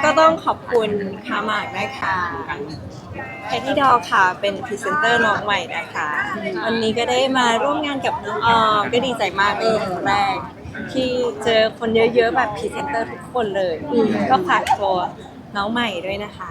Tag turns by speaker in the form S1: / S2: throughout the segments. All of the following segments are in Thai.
S1: ก็ต้องขอบคุณคาหมากนะคะแพทตี้ดอลค่ะเป็นพรีเซนเตอร์น้องใหม่นะคะวันนี้ก็ได้มาร่วมงานกับน้องออมก็ดีใจมากเป็นครั้งแรกที่เจอคนเยอะๆแบบพรีเซนเตอร์ทุกคนเลยก็ฝากตัวน้องใหม่ด้วยนะคะ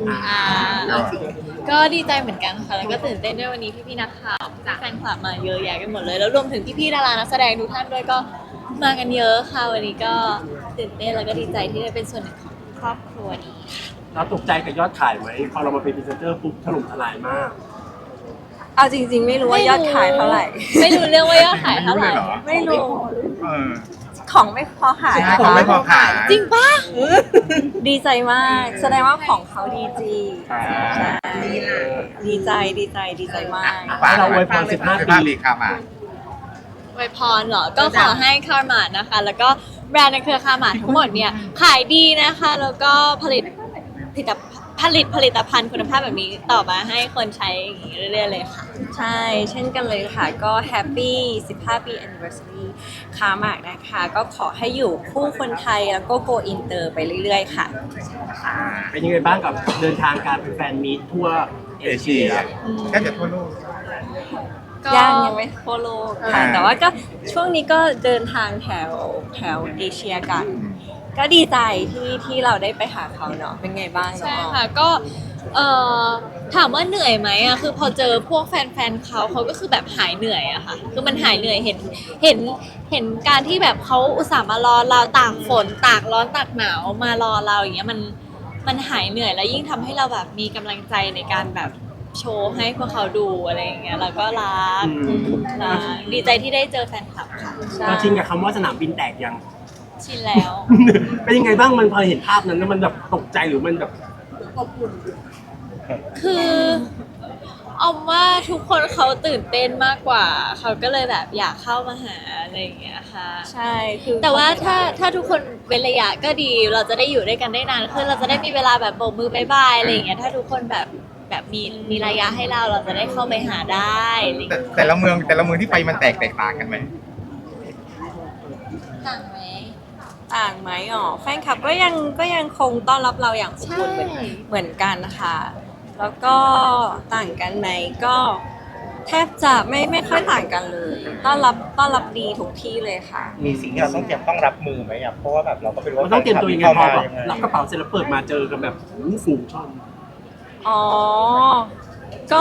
S2: ก็ดีใจเหมือนกันค่ะแล้วก็ตื่นเต้นด้วยวันนี้พี่ๆนักข่าวแฟนคลับมาเยอะแยะกันหมดเลยแล้วรวมถึงพี่ๆดารานักแสดงทุกท่านด้วยก็มากันเยอะค่ะวันนี้ก็ตื่นเต้นแล้วก็ดีใจที่ได้เป็นส่วนหนึ่งของครอบครัวนี้ค่ะ
S3: เราตกใจกับยอดขายไหมพอเรามาเป็นพรีเซนเตอร์ปุ๊บถล่มทลายมาก
S1: เอาจริงๆไม่รู้ว่ายอดขายเท่าไหร่
S2: ไม่รู้เรื่องว่ายอดขายเท่าไหร่
S1: ไม่รู้
S4: เออ
S1: ของไม่พอขาย
S4: ของไม่พอขาย
S2: จริงปะ
S1: ดีใจมากแสดงว่าของเขาดีจริงใช่ดีใจมาก
S3: เราอวยพร15 ปี
S4: ค่ะมา
S2: อวยพรเหรอก็ขอให้คาร์มาดนะคะแล้วก็แบรนด์ในเครือคาร์มาดทั้งหมดเนี่ยขายดีนะคะแล้วก็ผลิตผลิตภัณฑ์คุณภาพแบบนี้ต่อมาให้คนใช้อย่างนี้เรื่อยๆเลยค่ะ
S1: ใช่เช่นกันเลยค่ะก็แฮปปี้15 ปี anniversary คาหมากนะคะก็ขอให้อยู่คู่คนไทยแล้วก็ go inter ไปเรื่อยๆค่ะ
S3: เป็นยังไงบ้างกับเดินทางการเป็นแฟนมีตทั่วเอเชีย
S4: แค่จะทั่วโลก
S1: ยังไม่ทั่วโลกค่ะแต่ว่าก็ช่วงนี้ก็เดินทางแถวเอเชียกันก็ดีใจที่เราได้ไปหาเขาเนาะเป็นไงบ้าง
S2: ใช่ค่ะก็ถามว่าเหนื่อยไหมอะคือพอเจอพวกแฟนๆเขาก็คือแบบหายเหนื่อยอะค่ะคือมันหายเหนื่อยเห็นการที่แบบเขาอุตส่าห์มารอเราตากฝนตากร้อนตากหนาวมารอเราอย่างเงี้ยมันหายเหนื่อยแล้วยิ่งทำให้เราแบบมีกำลังใจในการแบบโชว์ให้พวกเขาดูอะไรอย่างเงี้ยแล้วก็รักดีใจที่ได้เจอแฟนคลับค่ะ
S3: เราชินกับคำว่าสนามบินแตกยัง
S2: ชินแล้ว
S3: เป็นยังไงบ้างมันพอเห็นภาพนั้นแล้วมันแบบตกใจหรือมันแบบ
S2: คือออมว่าทุกคนเขาตื่นเต้นมากกว่าเขาก็เลยแบบอยากเข้ามาหาอะไรอย่างเงี้ยค่ะ
S1: ใช่คือ
S2: แต่ว่าถ้าทุกคนเว้นระยะก็ดีเราจะได้อยู่ด้วยกันได้นานขึ้นเราจะได้มีเวลาแบบโบกมือบายบายอะไรอย่างเงี้ยถ้าทุกคนแบบมีระยะให้เราจะได้เข้าไปหาได้
S4: แต่ละเมืองที่ไปมันแตกต่างกันไหม
S2: ต่างไหม
S1: อ๋อแฟนคลับก็ยังคงต้อนรับเราอย่างอบอุ่นเหมือนกันนะคะแล้วก็ต่างกันไหมก็แทบจะไม่ค่อยต่างกันเลยต้อนรับดีทุกที่เลยค่ะ
S4: มีสิ่งที่เราต้องรับมือไหมอ่ะเพราะว่าแบบเราก็ไม่รู้ว่า
S3: ต้องเตรียมตัวยังไงพอแบบรับกระเป๋าเสร็จแล้วเปิดมาเจอกันแบบฝูงชน
S1: อ๋อก็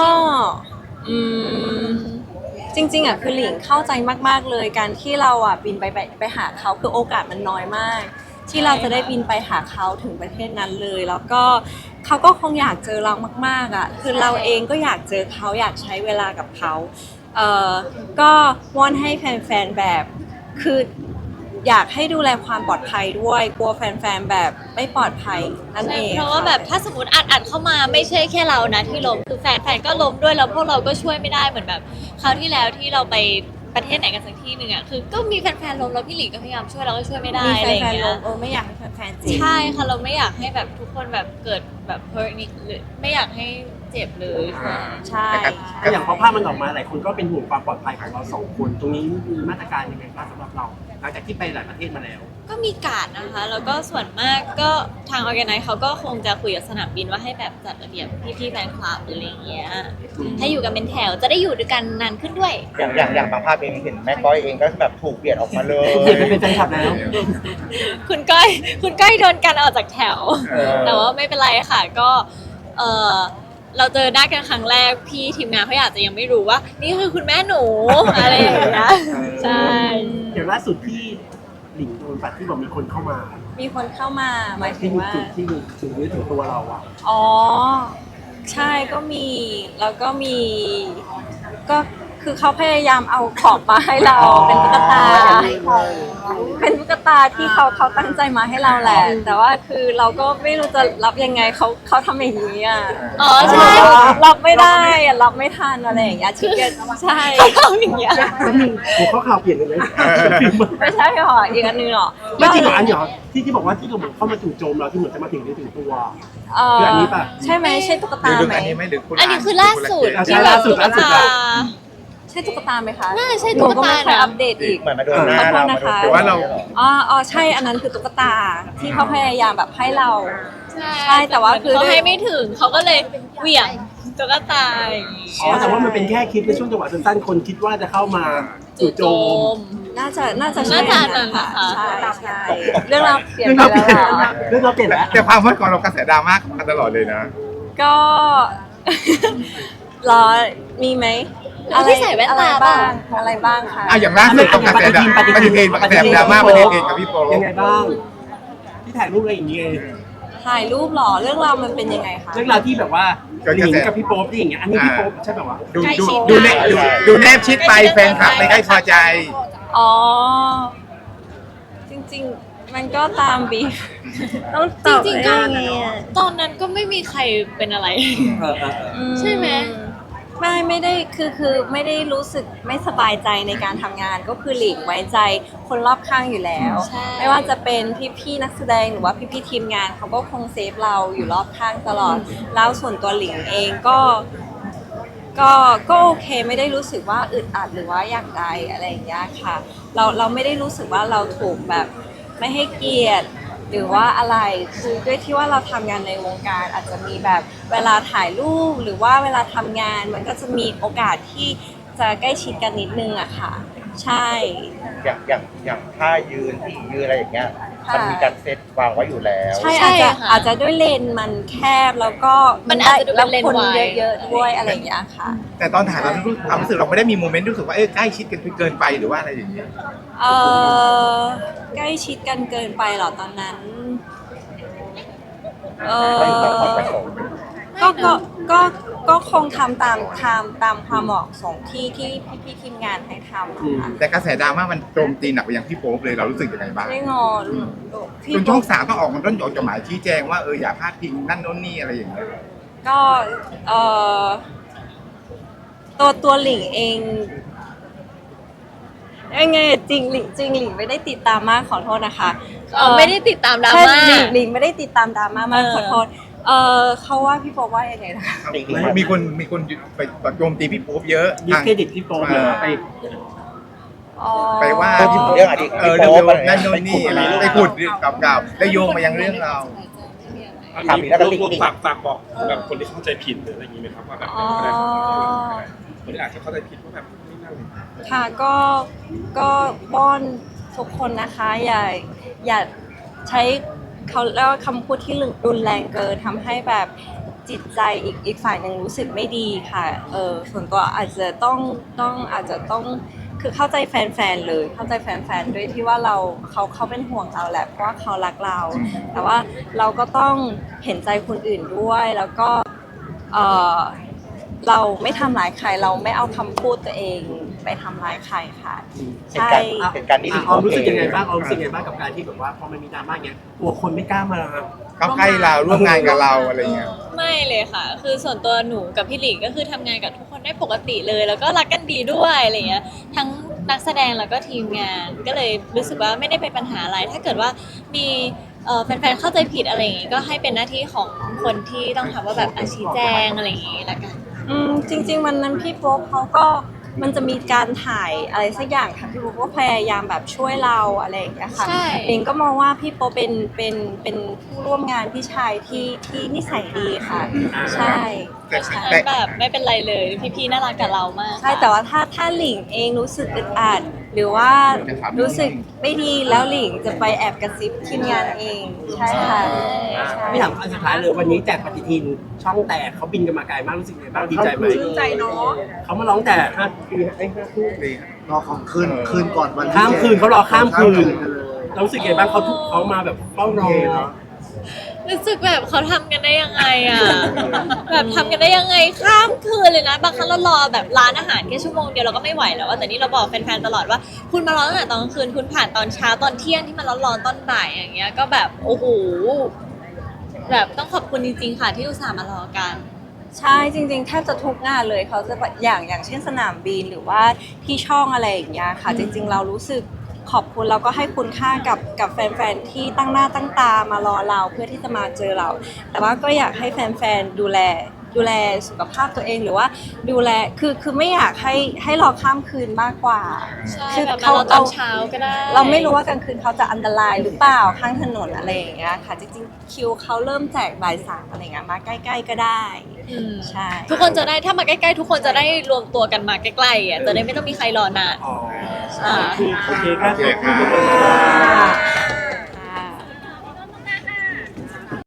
S1: จริงๆอ่ะคือหลิงเข้าใจมากๆเลยการที่เราอ่ะบินไปหาเขาคือโอกาสมันน้อยมากที่เราจะได้บินไปหาเขาถึงประเทศนั้นเลยแล้วก็เขาก็คงอยากเจอเรามากๆอ่ะคือเราเองก็อยากเจอเขาอยากใช้เวลากับเขาก็วอนให้แฟนๆแบบคืออยากให้ดูแลความปลอดภัยด้วยกลัวแฟนๆแบบไม่ปลอดภัยนั่นเอง
S2: เพราะว่าแบบถ้าสมมติอัดเข้ามาไม่ใช่แค่เรานะที่ล้มคือแฟนก็ล้มด้วยแล้วพวกเราก็ช่วยไม่ได้เหมือนแบบคราวที่แล้วที่เราไปประเทศไหนกันสักที่หนึ่งอ่ะคือก็มีแฟนๆล้มแล้วพี่หลิงก็พยายามช่วยเราก็ช่วยไม่ได้อะไรอย่างเงี้ย
S1: ไม่อยากให้แฟนๆเจ็บ
S2: ใช่ค่ะเราไม่อยากให้แบบทุกคนแบบเกิดแบบ hurt นี่หรือไม่อยากให้เจ็บเลย
S1: ใช่
S3: อย่างพอภาพมันออกมาหลายคนก็เป็นห่วงความปลอดภัยของเรา2 คนตรงนี้มีมาตรการยังไงบ้างสำหรับเราหลังจากที่ไปหลายประเทศมาแล้ว
S2: ก็มีการนะคะแล้วก็ส่วนมากก็ทางออร์แกไนซ์เขาก็คงจะคุยกับสนามบินว่าให้แบบจัดระเบียบพี่ๆแฟนคลับอะไรอย่างเงี้ยให้อยู่กันเป็นแถวจะได้อยู่ด้วยกันนานขึ้นด้วย
S4: อย่างบางภาพเองเห็นแม่ก้อยเองก็แบบถูกเบียดออกมาเลย
S3: เบียดไปเป็นแฟนคลับแล้ว
S2: คุณก้อยโดนกันออกจากแถวแต่ว่าไม่เป็นไรค่ะก็เราเจอหน้ากันครั้งแรกพี่ทีมงานเขาอาจจะยังไม่รู้ว่านี่คือคุณแม่หนูอะไรอย่างเงี้ยใช่
S3: อย่างล่าสุดที่หลิงโดนปัดที่บอกมีคนเข้ามา
S1: หมายถึงว่า
S3: ที่ถึงเนื้อถึงตัวเราอ่ะ
S1: อ๋อใช่ก็มีแล้วก็มีก็คือเขาพยายามเอาของมาให้เราเป็นตุ๊กตาที่เขาตั้งใจมาให้เราแหละแต่ว่าคือเราก็ไม่รู้จะรับยังไงเขาทำอย่างนี้อ่ะ
S2: อ๋อใช่
S1: รับไม่ได้รับไม่ทันอะไรอย่างเงี้ยชิคเก้นใช่
S2: เขาทำอย่างเงี้ย
S3: ผมเขาข่าวเปลี่ยนเลยนะ
S1: ไม่ใช่หรออีกอันนึงหรอ
S3: ไม่จริงเหรออันเหรอที่บอกว่าที่เราเข้ามาจู่โจมเราที่เหมือนจะมาถึงตัวคืออันนี้ป่ะ
S1: ใช่ไหมใช่ตุ๊กตาไหม
S2: อันนี้คือล่าสุด
S3: ที่แบบตุ๊กตา
S1: ใช่ตุ๊กตาไหมคะ
S2: น่าใช่
S1: ห
S2: ตุ๊
S1: นู
S2: ก
S1: ก็
S2: ตา
S1: ไม่เคย
S2: นะ
S1: อัปเดตอีก
S4: เหมือนมาโดนหน้า
S1: ขอโท
S4: เรา
S1: ษนะคะ
S5: หรือว่าเรา
S1: อ๋อใช่อันนั้นคือตุ๊กตาที่เขาพยายามแบบให้เรา
S2: ใช่
S1: ใช่แต่ว่าคือ
S2: เขาให้ไม่ถึงเขาก็เลยเหวี่ยงตุ๊กตาอย่างงี้
S3: อ๋อแต่ว่ามันเป็นแค่คลิปในช่วงจังหวะสั้นๆคนคิดว่าจะเข้ามาจู่โจม
S1: น่าจะใช่
S2: น่าจะอันนั้นนะคะ
S1: ใช่ใช่เรื่องราวเปลี่ยนไปแล้วเหรอ
S3: เรื่องเราเปลี่ยนแล้ว
S5: แต่ความฮอตของเรากระแสดราม่ามาตลอดเลยนะ
S1: ก็ รอมีไหม
S2: แล้วที่ใส่แว่นตา
S1: อะไรบ้าง
S2: เปล่า
S1: อะไรบ้างคะ
S5: อ่ะอย่างล่าสุดของกระแสดราม่าปฏิทินกระแสดราม่าปฏิทินกับพี่โป๊
S3: ยังไงบ้างที่ถ่ายรูปอะไรอย่างเงี้ย
S1: ถ่ายรูปเหรอเรื่องราวมันเป็นยังไงคะ
S3: เรื่องราวที่แบบว่าหลิงกับพี่โป๊ปที่อย่างเงี้ยอันนี้พี่โป๊ปใช่แบบว่า
S5: ดูแนบชิดไปแฟนคลับไม่ค่อยพอใจ
S1: อ๋อ จริงๆ มันก็ตามบีฟต้องตอบ
S2: จริงๆก็
S1: ได้ไงอะ
S2: ตอนนั้นก็ไม่มีใครเป็นอะไร ใช่ไหม
S1: ไม่ได้คือไม่ได้รู้สึกไม่สบายใจในการทำงานก็คือหลีกไว้ใจคนรอบข้างอยู่แล้ว
S2: ใช่
S1: ไม่ว่าจะเป็นพี่ๆนักแสดงหรือว่าพี่ๆทีมงานเขาก็คงเซฟเราอยู่รอบข้างตลอด แล้วส่วนตัวหลิงเองก็โอเคไม่ได้รู้สึกว่าอึดอัดหรือว่าอย่างใดอะไรอย่างเงี้ยค่ะ เราไม่ได้รู้สึกว่าเราถูกแบบไม่ให้เกียรติ หรือว่าอะไรคือด้วยที่ว่าเราทำงานในวงการอาจจะมีแบบเวลาถ่ายรูปหรือว่าเวลาทำงานมันก็จะมีโอกาสที่จะใกล้ชิดกันนิดนึงอะค่ะ ใช่
S4: อย่างท่ายืนที่ยืนอะไรอย่างเงี้ย
S1: ค่ะ
S4: มันมีการเซตวางไว้อยู่แล้ว
S1: ใช่
S2: ใช่
S1: อาจจะ
S2: ค่ะ
S1: อาจจะด้วยเลนส์มันแคบแล้วก็
S2: มันอาจจะดูเป็นเลนส์
S1: คน
S2: วาย
S1: เยอะๆด้วยอะไรอย่างเงี้ยค่ะ
S5: แต่ตอนถ่ายเราความรู้สึกเราไม่ได้มีโมเมนต์รู้สึกว่าใกล้ชิดกันเกินไปหรือว่าอะไรอย่างเงี้ย
S1: เออใกล้ชิดกันเกินไปเหรอตอนนั้น เอ
S4: ไม่มีความ
S1: อ
S4: ประสงค์
S1: ก็คงทำตามความเหมาะสมที่พี่ทีมงานให้ทำอะค่ะ
S5: แต่กระแสดราม่ามันโจมตีหนักไปยังพี่โป๊ปเลยเรารู้สึกยังไงบ้าง
S1: ไม่งอน
S5: จนช่องสามต้องออกมาต้นจดหมายชี้แจงว่าอย่าพลาดพิงนั่นโน่นนี่อะไรอย่างเงี้ย
S1: ก็เออตัวหลิงเองยังไงจริงหลิงไม่ได้ติดตามมากขอโทษนะคะ
S2: ไม่ได้ติดตามดรา
S1: ใช่
S2: ม่า
S1: หลิงไม่ได้ติดตามดราม่ามาก
S2: เออ
S1: ขอโทษเขาว่าพี่โป๊ปว่ายังไงนะคะ
S5: มีคนไปโจมตีพี่โป๊ปเยอะ
S3: ดิสเครดิตพี่โป๊ปเลยว่าไป
S1: อ๋อ
S5: ไปว่า
S4: เรื่องอดีต
S5: เรื่องนั่นโน่นนี่อะไรไปขุดเก่าๆแล้วโยงมายังเรื่องเรา
S4: ถามอีกแล้วก็ติ๊ก
S6: ฝากบอกแบบคนที่เข้าใจผิดหรืออะไรอย่างนี้ไหมครับว่าแบบ
S1: อ๋อ
S6: คนที่อาจจะเข้าใจผิดว่าแบบไม่น่าเลย
S1: ค่ะก็ป้อนทุกคนนะคะอย่าใช้เขาเรียกว่าคำพูดที่รุนแรงเกินทำให้แบบจิตใจอีกฝ่ายหนึ่งรู้สึกไม่ดีค่ะส่วนตัวอาจจะต้องคือเข้าใจแฟนๆเลยเข้าใจแฟนๆด้วยที่ว่าเขาเป็นห่วงเราแหละเพราะว่าเขารักเรา แต่ว่าเราก็ต้องเห็นใจคนอื่นด้วยแล้วก็เออเราไม่ทำร้ายใครเราไม่เอาคำพูดตัวเองไปทำร้ายใครค่ะ
S4: เหตุ
S1: ใช่
S4: การณ์เหตุการณ์นี้
S3: ออมรู้สึกยังไงบ้างออมรู้สึกยังไงบ้างกับการที่แบบว่าพอมันมีดราม่าเงี้ยกลัวคนไม่กล้ามา
S5: เขาใกล้เราร่วมงานกับเราอะไรเงี้ย
S2: ไม่เลยค่ะ คือส่วนตัวหนูกับพี่หลิงก็คือทำงานกับทุกคนได้ปกติเลย แล้วก็รักกันดีด้วยอะไรเงี้ย ทั้งนักแสดงแล้วก็ทีมงาน ก็เลยรู้สึกว่าไม่ได้เป็นปัญหาอะไร ถ้าเกิดว่ามีแฟนๆเข้าใจผิดอะไรอย่างงี้ก็ให้เป็นหน้าที่ของคนที่ต้องทำว่าแบบชี้แจงอะไรอย่างงี้ละกัน
S1: จริงๆวันนั้นพี่โป๊ปเขาก็มันจะมีการถ่ายอะไรสักอย่างค่ะพี่โป๊ปก็พยายามแบบช่วยเราอะไรอย่างเงี้ยค่ะ
S2: ใช่
S1: เองก็มองว่าพี่โป๊ปเป็นผู้ร่วมงานพี่ชายที่นิสัยดีค่ะ ใช่
S5: แต่
S2: ฉะ
S5: แต่
S2: นั้นแบบไม่เป็นไรเลย พี่ๆน่ารักกับเรามาก
S1: ใช่แต่ว่าถ้าหลิงเองรู้สึกอึดอัดหรือว่ารู้สึกไม่ดีแล้วหลิงจะไปแอบกระซิบทีมงานเองใช่ค่ะใช่
S3: ไม่ถามอันสุดท้ายเลยวันนี้แจกปฏิทินช่องแตกเขาบินกันมาไกลมากรู้สึกยังไงบ้างดีใจไหมดีใจเนาะเขามาร้องแต่5 ปี5 คู่
S7: รอของคืนก่อนวัน
S3: ข้ามคืนเขารอข้ามคืน
S7: เลย
S3: เรารู้สึกยังไงบ้างเขามาแบบเฝ้ารอ
S2: รู้สึกแบบเขาทำกันได้ยังไงอ่ะ แบบทำกันได้ยังไงข้ามคืนเลยนะ บางครั้งเรารอแบบร้านอาหารแค่ชั่วโมงเดียวเราก็ไม่ไหวแล้วอะแต่นี่เราบอกแฟนๆตลอดว่า คุณมารอตั้งแต่ตอนกลางคืนคุณผ่านตอนเช้าตอนเที่ยงที่มันร้อนๆตอนบ่ายอย่างเงี้ยก็แบบโอ้โหแบบต้องขอบคุณจริงๆค่ะที่อุตส่าห์มารอกัน
S1: ใช่จริงๆแทบจะทุกงานเลยเขาจะแบบอย่างเช่นสนามบินหรือว่าที่ช่องอะไรอย่างเงี้ยค่ะ จริง ๆ เรารู้สึกขอบคุณแล้วก็ให้คุณค่ากับแฟนๆที่ตั้งหน้าตั้งตามารอเราเพื่อที่จะมาเจอเรา แต่ว่าก็อยากให้แฟนๆดูแลดูแลสุขภาพตัวเองหรือว่าดูแลคือไม่อยากให้รอข้ามคืนมากกว่า
S2: ใช่
S1: คือ
S2: แบบมารอตอนเช้าก็ได้
S1: เราไม่รู้ว่ากลางคืนเขาจะอันตรายหรือเปล่าข้างถนนอะไรอย่างเงี้ยค่ะจริงๆคิวเขาเริ่มแจกบ่ายสามอะไรเงี้ยมาใกล้ๆก็ได้
S2: อืม
S1: ใช่
S2: ทุกคนจะได้ถ้ามาใกล้ๆทุกคนจะได้รวมตัวกันมาใกล้ๆอ่ะจะได้ไม่ต้องมีใครรอนาน
S3: อ๋อ
S2: อ่า
S3: โอเคครับ
S5: โอเคครับ